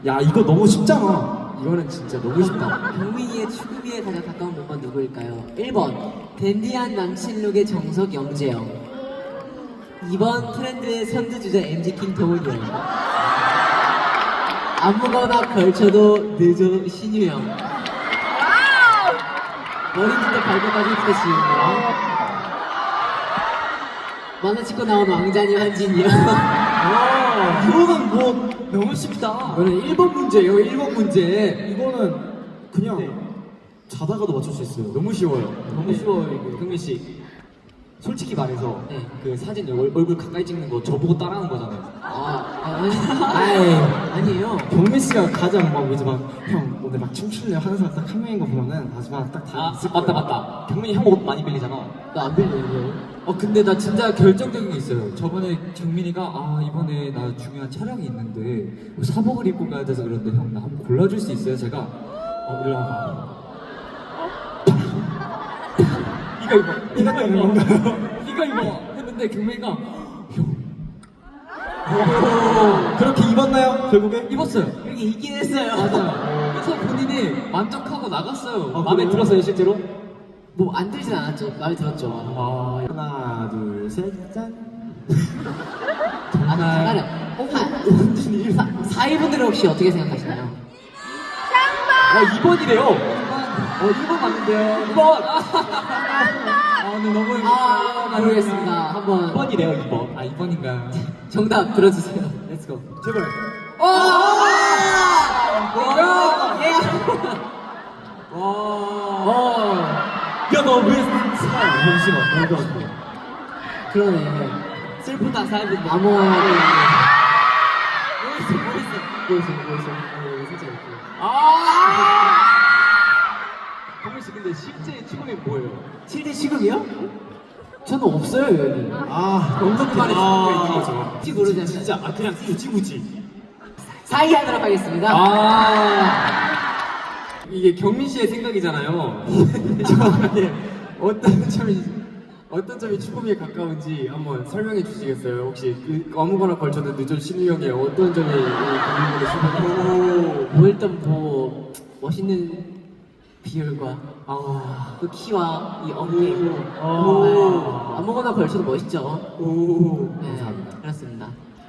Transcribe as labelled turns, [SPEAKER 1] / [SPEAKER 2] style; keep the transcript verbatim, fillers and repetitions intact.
[SPEAKER 1] 야 이거 너무 쉽잖아. 이거는 진짜 너무 쉽다.
[SPEAKER 2] 경민이의 추구미에 가장 가까운 멤버 누구일까요? 일 번 댄디한 남친룩의 정석 영재형, 이 번 트렌드의 선두주자 엠지 김동훈이 형, 아무거나 걸쳐도 늦어 신유 형, 머리부터 발끝까지 힙스터 지은 형, 만화 찍고 나온 왕자님 한진이 형.
[SPEAKER 1] 와 이거는 뭐
[SPEAKER 2] 너무 쉽다.
[SPEAKER 1] 이거는 일 번 문제예요. 일 번 문제. 이거는 그냥 네. 자다가도 맞출 수 있어요. 너무 쉬워요.
[SPEAKER 2] 너무 쉬워요 이거.
[SPEAKER 1] 경민 씨 솔직히 말해서
[SPEAKER 2] 네.
[SPEAKER 1] 그 사진 얼, 얼굴 가까이 찍는 거 저보고 따라하는 거잖아요.
[SPEAKER 2] 아, 아 아니,
[SPEAKER 1] 아이
[SPEAKER 2] 아니에요.
[SPEAKER 1] 경민 씨가 가장 막 이제 막형 오늘 막 춤출래요 하는 사람 딱 한 명인 거 보면은 마지막 딱다
[SPEAKER 3] 아,
[SPEAKER 1] 있을
[SPEAKER 3] 맞다,
[SPEAKER 1] 거예요.
[SPEAKER 3] 맞다. 경민이 형 옷 많이 빌리잖아.
[SPEAKER 2] 나 안 빌려 이거.
[SPEAKER 3] 어, 근데 나 진짜 결정적인 게 있어요. 저번에 경민이가, 아, 이번에 나 중요한 촬영이 있는데, 뭐 사복을 입고 가야 돼서 그런데 형, 나 한번 골라줄 수 있어요? 제가, 어, 일로 와봐. 이거 입어. 이거
[SPEAKER 1] 되는
[SPEAKER 3] 입어.
[SPEAKER 1] 건가요?
[SPEAKER 3] 이거 입어. 했는데 경민이가, 형,
[SPEAKER 1] 오, 그렇게 입었나요? 결국에?
[SPEAKER 3] 입었어요.
[SPEAKER 2] 이렇게 있긴 했어요.
[SPEAKER 3] 맞아요. 그래서 본인이 만족하고 나갔어요.
[SPEAKER 1] 아,
[SPEAKER 3] 마음에
[SPEAKER 1] 그래요?
[SPEAKER 3] 들었어요, 실제로?
[SPEAKER 2] 뭐 안 들진 않았죠? 마음에 들었죠.
[SPEAKER 1] 아, 하나, 둘, 셋, 짠.
[SPEAKER 2] 아, 잠깐만요.
[SPEAKER 1] 완전히 일 번.
[SPEAKER 2] 사이분들은 혹시 어떻게 생각하시나요?
[SPEAKER 3] 어, 이 번이래요. 어, 일 번 맞는데요. 이 번! 아, 오늘 너무
[SPEAKER 2] 아, 모르겠습니다. 한번
[SPEAKER 3] 이 번이래요, 이 번. 아, 이 번인가요?
[SPEAKER 2] 정답 들어주세요.
[SPEAKER 3] 렛츠고.
[SPEAKER 1] 제발.
[SPEAKER 2] 오! 와! 예!
[SPEAKER 3] 와.
[SPEAKER 1] 야, 너 왜 살? 잠시만. 이거.
[SPEAKER 2] 그러네. 슬프다, 사이분들. 암호화. 뭐있어, 뭐있어. 뭐있어, 뭐있어. 어, 살짝 이렇게.
[SPEAKER 3] 아! 경민 씨, 근데 실제 직업이 뭐예요?
[SPEAKER 2] 칠 대 시급이요? 저는 없어요, 여기.
[SPEAKER 1] 아,
[SPEAKER 3] 엄청 많이
[SPEAKER 1] 아,
[SPEAKER 3] 있는 거죠.
[SPEAKER 2] 혹시 모르잖아요.
[SPEAKER 3] 진짜, 아, 그냥 굳이 굳이.
[SPEAKER 2] 사이 하도록 하겠습니다.
[SPEAKER 3] 아. 이게 경민 씨의 생각이잖아요. 저한테 어떤 점이 어떤 점이 추구미에 가까운지 한번 설명해 주시겠어요? 혹시 그 아무거나 걸쳐도 늦은 신우 형의 어떤 점이 경민이의 추구미?
[SPEAKER 2] 뭐 일단 뭐 멋있는 비율과
[SPEAKER 3] 아,
[SPEAKER 2] 그 키와 이 어깨.
[SPEAKER 3] 오.
[SPEAKER 2] 아무거나 걸쳐도 멋있죠.
[SPEAKER 3] 오,
[SPEAKER 2] 네,
[SPEAKER 3] 감사합니다.
[SPEAKER 2] 그렇습니다.